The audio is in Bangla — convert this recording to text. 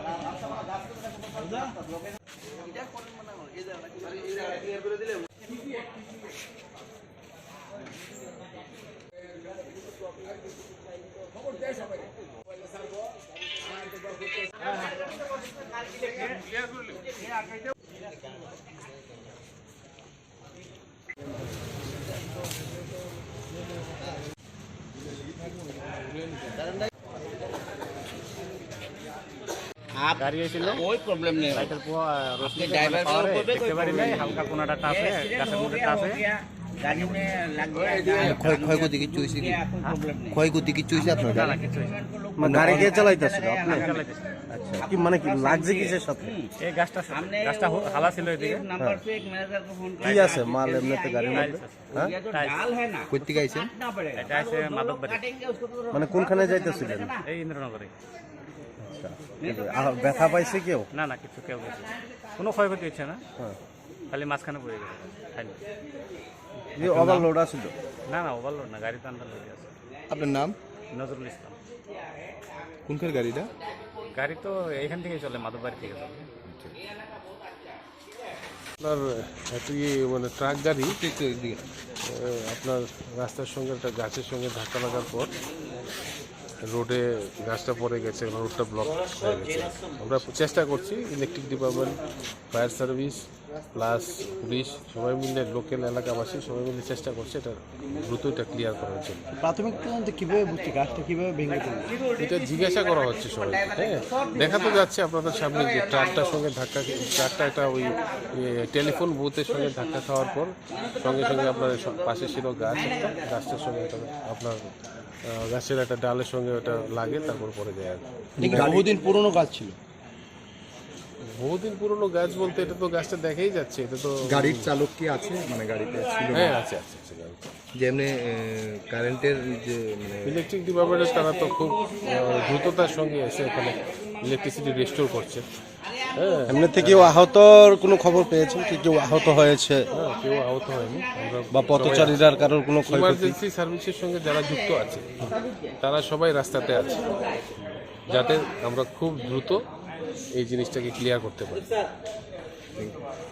গাড়ি এসেছিল ওই প্রবলেম নেই লাইটের রোশনি ড্রাইভার দেখতে পারি নাই হালকা কোনাটা টাপে গাছের মধ্যে টাপে গাড়ি মে লাগবে ক্ষয়ক্ষতি কিছু হইছে কি ক্ষয়ক্ষতি কিছু হইছে আপনার না কিছু মানে গাড়ি কে চালাইতেছিল আপনি চালাইতেছেন আচ্ছা কি মানে কি লাগছে কিসের সাথে এই গাছটা হালা ছিল এদিকে নাম্বার पे एक मैनेजर को फोन কি আছে মাল এমনিতে গাড়ির মধ্যে হ্যাঁ ডাল है ना কই থেকে আইছেন এটা আছে মাদকবাড়ি মানে কোনখানে যাইতেছিলেন এই ইন্দ্রনগরে আচ্ছা ব্যথা পাইছে কেউ না না কিছু কেউ কোনো ক্ষয়ক্ষতি হচ্ছে না খালি মাঝখানে পড়ে গেছে খালি এই ওভারলোড আছিল না না ওভারলোড না গাড়ি তো আন্দাজ হয়ে আছে আপনার নাম নজরুল ইসলাম কোনখানে গাড়িটা গাড়ি তো এইখান থেকে চলে মাদকবাড়ি থেকে চলে আপনার একটু মানে ট্রাক গাড়ি আপনার রাস্তার সঙ্গে একটা গাছের সঙ্গে ধাক্কা লাগার পর রোডে গাছটা পড়ে গেছে, রোডটা ব্লক হয়ে গেছে। আমরা চেষ্টা করছি electric department, fire service plus police সবাই মিলে, লোকাল এলাকাবাসী সবাই মিলে চেষ্টা করছে এটা দ্রুত এটা ক্লিয়ার করার জন্য। প্রাথমিক তদন্তে কীভাবে বুঝছি গাছটা কীভাবে ভেঙে পড়ল এটা জিজ্ঞাসা করা হচ্ছে সবাই। হ্যাঁ, দেখা তো যাচ্ছে আপনাদের সামনে যে ট্রাকটার সঙ্গে ট্রাকটা একটা ওই টেলিফোন বুথের সঙ্গে ধাক্কা খাওয়ার পর সঙ্গে সঙ্গে আপনার পাশে ছিল গাছ, একটা গাছটার সঙ্গে একটা আপনার গাছের একটা ডালের সঙ্গে ওটা লাগে, তারপর পরে যায়। আর বহুদিন পুরনো গাছ ছিল, বহুদিন পুরনো গাছ বলতে এটা তো গাছটা দেখাই যাচ্ছে। এটা তো গাড়ির চালক কি আছে, মানে গাড়িতে ছিল? হ্যাঁ আছে আছে গাড়ি। যেমনি কারেন্টের যে ইলেকট্রিক ডিপার্টমেন্টের তারা তো খুব দ্রুততার সঙ্গে এসে এখানে ইলেকট্রিসিটি রেস্টোর করছে। হ্যাঁ, এমনিতে কেউ আহতর কোনো খবর পেয়েছেন কি? কেউ আহত হয়েছে? কেউ আহত হয়নি। আমরা বা পথচারীরার কারোর কোনো ক্ষয়ক্ষতি? ইমার্জেন্সি সার্ভিসের সঙ্গে যারা যুক্ত আছে তারা সবাই রাস্তাতে আছে, যাতে আমরা খুব দ্রুত এই জিনিসটাকে ক্লিয়ার করতে পারি।